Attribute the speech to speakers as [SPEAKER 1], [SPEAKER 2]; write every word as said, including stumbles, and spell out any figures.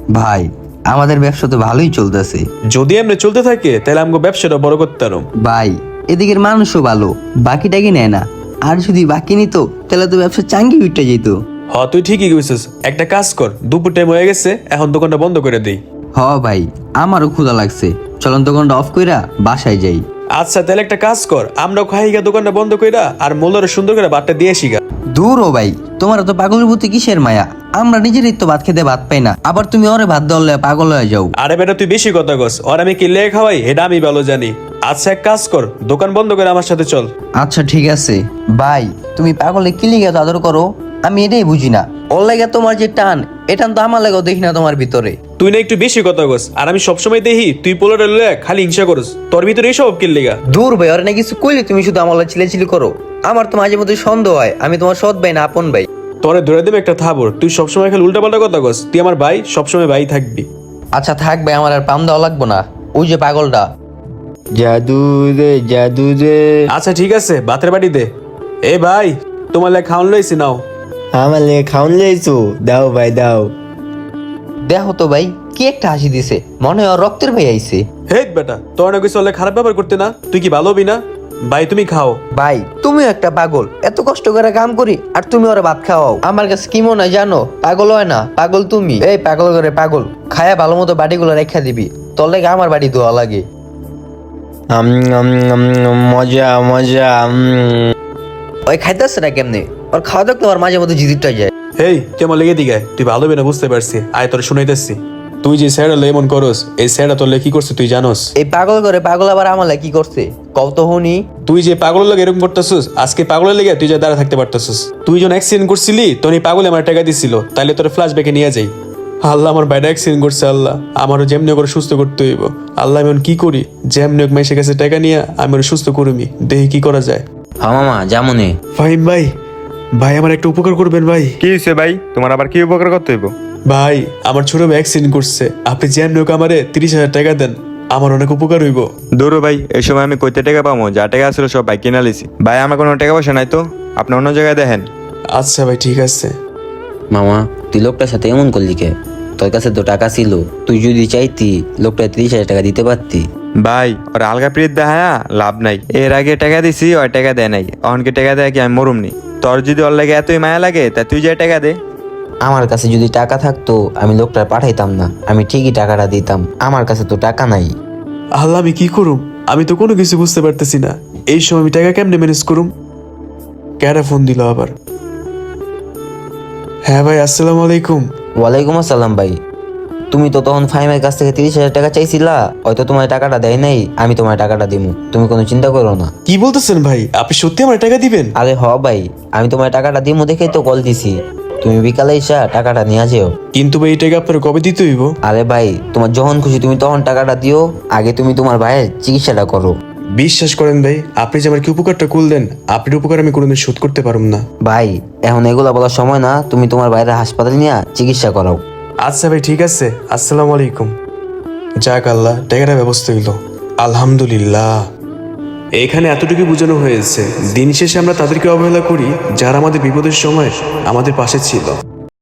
[SPEAKER 1] ভাই আমাদের ব্যবসা তো ভালোই চলতেছে।
[SPEAKER 2] যদি এমনি চলতে থাকে তাহলে আমাকে ব্যবসাটা বড় করতে পারো।
[SPEAKER 1] ভাই এদিকের মানুষও ভালো, বাকিটাকে নেয় না। আর যদি বাকি নিত তাহলে তো ব্যবসা চাঙ্গি উঠে যেত।
[SPEAKER 2] হ তুই ঠিকই কইছিস, একটা কাজ কর, দুপুর টাইম হয়ে গেছে, এখন দোকানটা বন্ধ করে দেই।
[SPEAKER 1] হ ভাই আমারও ক্ষুধা লাগছে, চলন দোকানটা অফ কইরা বাসায় যাই।
[SPEAKER 2] আচ্ছা তাহলে একটা কাজ কর, আমরাও খাই গা দোকানটা বন্ধ কইরা, আর মোল্লারে সুন্দর করে বাটটা দিয়ে আসি গা।
[SPEAKER 1] দূর ও ভাই, তোমার তো পাগলের প্রতি কিসের মায়া? আমরা নিজেরই তো ভাত খেতে ভাত পাই না, আবার তুমি ওরে ভাত দলে পাগল হয়ে যাও।
[SPEAKER 2] আরে বেটা তুই বেশি কথা কস, আর আমি কি লেগে খাওয়াই এটা আমি ভালো জানি। আচ্ছা এক কাজ কর, দোকান বন্ধ করে আমার সাথে চল।
[SPEAKER 1] আচ্ছা ঠিক আছে ভাই, তুমি পাগলে কি লিগে এত আদর করো আমি এটাই বুঝি না। ওর লাগে তোমার যে টান, এটা তো আমার লাগেও দেখি না তোমার ভিতরে।
[SPEAKER 2] তুই না একটু বেশি কথা কস, আর আমি সবসময় দেখি তুই পোলারে লয়ে খালি হিংসা করস, তোর ভিতরে এসব কি লেগা?
[SPEAKER 1] দূর ভাই, ওর না কিছু কইলে তুমি শুধু আমার চিলেচিলি করো। আমার তো মাঝে মধ্যে সন্দেহ হয় আমি তোমার সৎ ভাই না আপন ভাই।
[SPEAKER 2] তোরে ধরে দেবে একটা থাবর, তুই সবসময় খালি উল্টা পাল্টা কথা কস। তুই আমার ভাই, সবসময় ভাই থাকবি।
[SPEAKER 1] আচ্ছা থাক ভাই, আমার আর পাম দেওয়া লাগবো না। ওই যে পাগলটা।
[SPEAKER 3] জাদু রে জাদু রে।
[SPEAKER 2] আচ্ছা ঠিক আছে, ভাতের বাড়ি দে। এ ভাই, তোমার লাগে খাওয়ান লইছি, নাও।
[SPEAKER 3] আমার লেগে খাওন লেছো, দাও ভাই দাও।
[SPEAKER 1] দেখো তো ভাই কি একটা হাসি দিছে, মনে হয় ওর রক্তের ভাই আইছে।
[SPEAKER 2] হে বেটা, তোর না কিছু হলে খারাপ ব্যবহার করতে না, তুই কি ভালো হবি না? ভাই তুমি খাও।
[SPEAKER 1] ভাই তুমিও একটা পাগল, এত কষ্ট করে কাম করি আর তুমি ওরা ভাত খাওয়াও। আমার কাছে কি মনে হয় জানো, পাগল হয় না, পাগল তুমি। এই পাগল করে পাগল, খায়া ভালো মতো বাড়িগুলো রেখা দিবি, তোর লাগে আমার বাড়ি ধোয়া লাগে।
[SPEAKER 3] আম, আম, আম, মজা মজা। উম।
[SPEAKER 1] ওই খাইতেছে না কেমনে, ওর খাওয়া দেখতে আমার মাঝে মধ্যে জিদিরটা যায়।
[SPEAKER 2] হেই কেমন লেগে দিগায়, তুই ভালো হবি না বুঝতে পারছি, আয় তোর শুনাইতেছি। তুই যে স্যার এমন করস, এই স্যারটা তোর কি করছে তুই জানোস?
[SPEAKER 1] এই পাগল করে পাগল আবার আমার লাগে কি করছে কত হুনি।
[SPEAKER 2] তুই যে পাগলের লাগে এরকম করতেছিস, আজকে পাগলের লেগে তুই যে দাঁড়া থাকতে পারতেছিস। তুই যখন অ্যাক্সিডেন্ট করছিলি তখন এই পাগলে আমার টাকা দিছিল, তাইলে তোর ফ্ল্যাশ ব্যাকে নিয়ে যাই। আল্লাহ আমার বাইরে অ্যাক্সিডেন্ট করছে, আল্লাহ আমারও যেমনি করে সুস্থ করতে হইব। আল্লাহ আমি এখন কি করি, যেমনি হোক মাইসের কাছে টাকা নিয়ে আমি ওর সুস্থ করবি, দেখি কি করা যায়।
[SPEAKER 4] হ্যাঁ মামা যেমনই।
[SPEAKER 2] ফাহিম ভাই, ভাই আমার একটা উপকার করবেন ভাই।
[SPEAKER 5] কি হয়েছে ভাই, তোমার আবার কি উপকার করতে হইব?
[SPEAKER 2] ভাই আমার ছোট ভাই অ্যাক্সিডেন্ট করছে, আপনি যেমনি হোক আমারে তিরিশ হাজার টাকা দেন, আমার অনেক উপকার হইব।
[SPEAKER 5] দৌড়ো ভাই, এই সময় আমি কইতে টাকা পাবো? যা টাকা আসলে সব ভাই কিনা লিছি। ভাই আমার কোনো টাকা পয়সা নাই তো, আপনি অন্য জায়গায় দেখেন।
[SPEAKER 2] আচ্ছা ভাই ঠিক আছে।
[SPEAKER 4] মামা তুই লোকটার সাথে এমন করলি কে? তোর কাছে তো টাকা ছিল, তুই যদি চাইতি লোকটা তিরিশ হাজার টাকা দিতে পারতি।
[SPEAKER 5] ভাই ওর আলগা পিরিত দেখা লাভ নাই, এর আগে টাকা দিছি ওই টাকা দেয় নাই, অনকে টাকা দেয় কি আমি মরুমনি? তোর যদি ওর লাগে এতই মায়া লাগে তা তুই যে টাকা দে।
[SPEAKER 4] আমার কাছে যদি টাকা থাকতো আমি লোকটা পাঠাইতাম না, আমি ঠিকই টাকাটা দিতাম। আমার কাছে তো টাকা নাই।
[SPEAKER 2] আল্লাহ আমি কি করুম, আমি তো কোনো কিছু বুঝতে পারতেছি না। এই সময় আমি টাকা কেমনে ম্যানেজ করুম? ক্যারা ফোন দিল আবার। হ্যাঁ ভাই আসসালামু আলাইকুম।
[SPEAKER 4] ওয়ালাইকুম আসসালাম ভাই। তুমি তো তখন ফাইমের কাছ থেকে তিরিশ হাজার টাকা চাইছিলা, হয়তো তোমার টাকাটা দেয় নাই, আমি তোমার টাকাটা দিমু, তুমি কোনো চিন্তা করো না।
[SPEAKER 2] কি বলতেছেন ভাই, আপনি সত্যি আমার টাকা দিবেন?
[SPEAKER 4] আরে হ ভাই, আমি তোমার টাকাটা দিমু দেখেই তো কল দিছি। তুমি বিকালে এসে টাকাটা নিয়ে যেও।
[SPEAKER 2] কিন্তু ভাই এই টাকা আপনার কবে দিতে হইব?
[SPEAKER 4] আরে ভাই তোমার যখন খুশি তুমি তখন টাকাটা দিও, আগে তুমি তোমার ভাইয়ের চিকিৎসাটা করো।
[SPEAKER 2] বিশ্বাস করেন ভাই, আপনি যে আমার কি উপকারটা করলেন, আপনার উপকার আমি কোনোদিন শোধ করতে পারুম না।
[SPEAKER 4] ভাই এখন এগুলা বলার সময় না, তুমি তোমার বাইরে হাসপাতালে নিয়ে চিকিৎসা করাও।
[SPEAKER 2] আচ্ছা ভাই ঠিক আছে, আসসালামু আলাইকুম। যাক আল্লাহ, টাকাটা ব্যবস্থা হইল, আলহামদুলিল্লাহ। এখানে এতটুকু বোঝানো হয়েছে, দিন শেষে আমরা তাদেরকে অবহেলা করি যারা আমাদের বিপদের সময় আমাদের পাশে ছিল।